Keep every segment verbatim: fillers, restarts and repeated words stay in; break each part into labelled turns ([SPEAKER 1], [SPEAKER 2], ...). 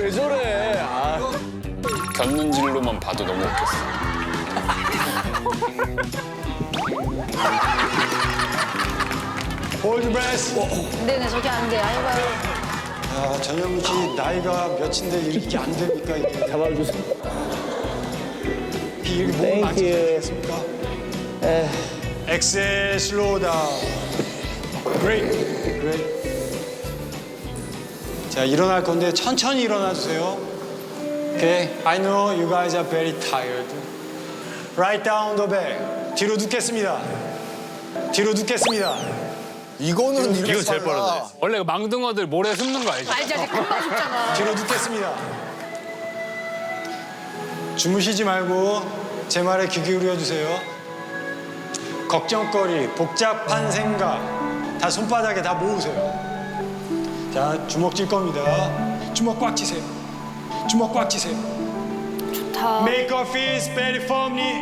[SPEAKER 1] 왜 저래? 아.
[SPEAKER 2] 견눈질로만 봐도 너무 웃겼어.
[SPEAKER 3] 홀드 브레스.
[SPEAKER 4] 네네, 저게 안 돼. 아이고.
[SPEAKER 3] 야, 전영미 씨 나이가 몇인데 이렇게 안 됩니까 이게?
[SPEAKER 1] 잡아주세요.
[SPEAKER 3] 이게 몸을 만지겠습니까? 엑셀 슬로우 다운. 그레이트. 그레이트. 자, 일어날 건데 천천히 일어나 주세요. Okay. I know you guys are very tired. Right down the back. 뒤로 눕겠습니다. 뒤로 눕겠습니다.
[SPEAKER 5] 이거는 이렇게
[SPEAKER 2] 이거 제일 빠르네. 원래 그 망둥어들 모래 숨는 거 알지?
[SPEAKER 4] 알지, 알지. 금방 죽잖아.
[SPEAKER 3] 뒤로 눕겠습니다. 주무시지 말고 제 말에 귀 기울여 주세요. 걱정거리, 복잡한 생각 다 손바닥에 다 모으세요. 자, 주먹 쥘 겁니다. 주먹 꽉 쥐세요. 주먹 꽉 쥐세요.
[SPEAKER 4] 좋다.
[SPEAKER 3] Make our feet very firmly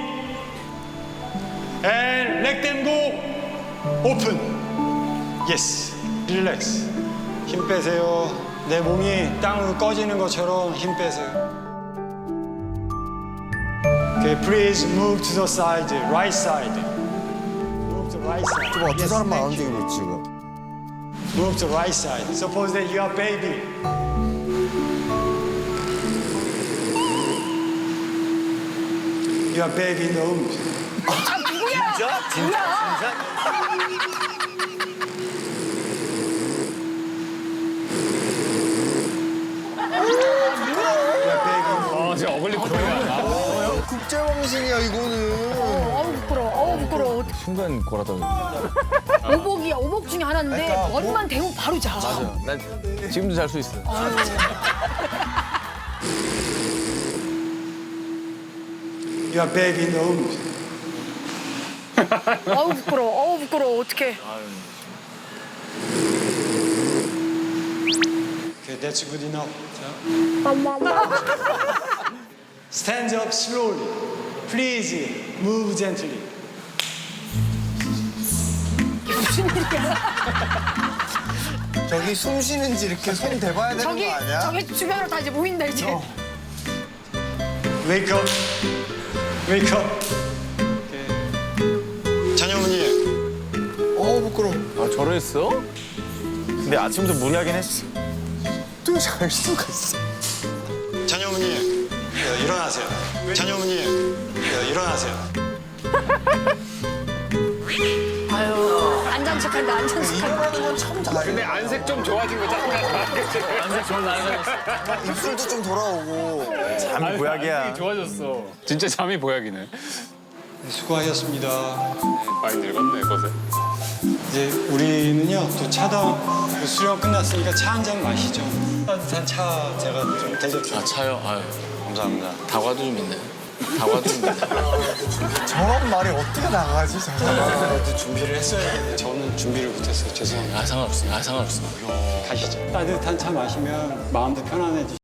[SPEAKER 3] and let them go. Open. Yes. Relax. 힘 빼세요. 내 몸이 땅으로 꺼지는 것처럼 힘 빼세요. Okay, please move to the side, right side. Move to right side.
[SPEAKER 5] 좀 어떤
[SPEAKER 3] Yes,
[SPEAKER 5] 사람만 안
[SPEAKER 3] thank you.
[SPEAKER 5] 움직이고 지금.
[SPEAKER 3] Move to right side. Suppose that you are baby. You are baby in the womb.
[SPEAKER 4] 아, 누구야? 진짜? 진짜?
[SPEAKER 3] You are baby in the womb.
[SPEAKER 2] 어, 저 어글리 코리아.
[SPEAKER 5] 국제방송이야 이거는.
[SPEAKER 4] 어우, 부끄러워. 어우, 부끄러워.
[SPEAKER 1] 순간 골았다.
[SPEAKER 4] 오복이야. 오복 중에 하나인데
[SPEAKER 5] 그러니까
[SPEAKER 4] 머리만 대고 바로 자.
[SPEAKER 1] 맞아. 난 지금도 잘 수 있어.
[SPEAKER 3] You are baby in the womb.
[SPEAKER 4] 어우, 부끄러워. 어우, 부끄러워. 어떡해.
[SPEAKER 3] Okay, that's good enough. 자. Stand up slowly. Please move gently.
[SPEAKER 4] 무슨 일이야?
[SPEAKER 5] 저기 숨 쉬는지 이렇게 손 대봐야 되는
[SPEAKER 4] 저기,
[SPEAKER 5] 거 아니야?
[SPEAKER 4] 저기 주변으로 다 이제 모인다, 이제.
[SPEAKER 3] Wake up. Wake up. Okay. 전영훈이.
[SPEAKER 5] 어 부끄러워.
[SPEAKER 1] 아 저랬어?
[SPEAKER 5] 근데 아침부터 무리하긴 했어. 또 잘 수가 있어.
[SPEAKER 3] 전영훈이. 예, 일어나세요. 전영훈이. 예, 일어나세요.
[SPEAKER 4] 아유, 안잔 척한다, 안잔 척한다.
[SPEAKER 5] 일어나는 건 참 잘해.
[SPEAKER 2] 근데 안색 좀 좋아진 거 짱나.
[SPEAKER 1] 안색 좋은 날.
[SPEAKER 5] 입술도 좀 돌아오고. 잠이
[SPEAKER 2] 안색이
[SPEAKER 5] 보약이야.
[SPEAKER 2] 좋아졌어. 진짜 잠이 보약이네.
[SPEAKER 3] 수고하셨습니다.
[SPEAKER 2] 많이 늙었네, 거세.
[SPEAKER 3] 이제 우리는요 또 차다 수련 끝났으니까 차 한 잔 마시죠. 따뜻한 차 제가 좀 대접 좀.
[SPEAKER 2] 아, 차요? 아유,
[SPEAKER 3] 감사합니다.
[SPEAKER 2] 다과도 좀 있네. 다과도 좀 있네.
[SPEAKER 5] 저런 말이 어떻게 나가지? 저런.
[SPEAKER 3] 그래도 준비를 했어야 되는데 저는 준비를 못했어요. 죄송합니다.
[SPEAKER 2] 아, 상관없습니다. 아, 상관없습니다.
[SPEAKER 3] 가시죠. 따뜻한 차 마시면 마음도 편안해지죠.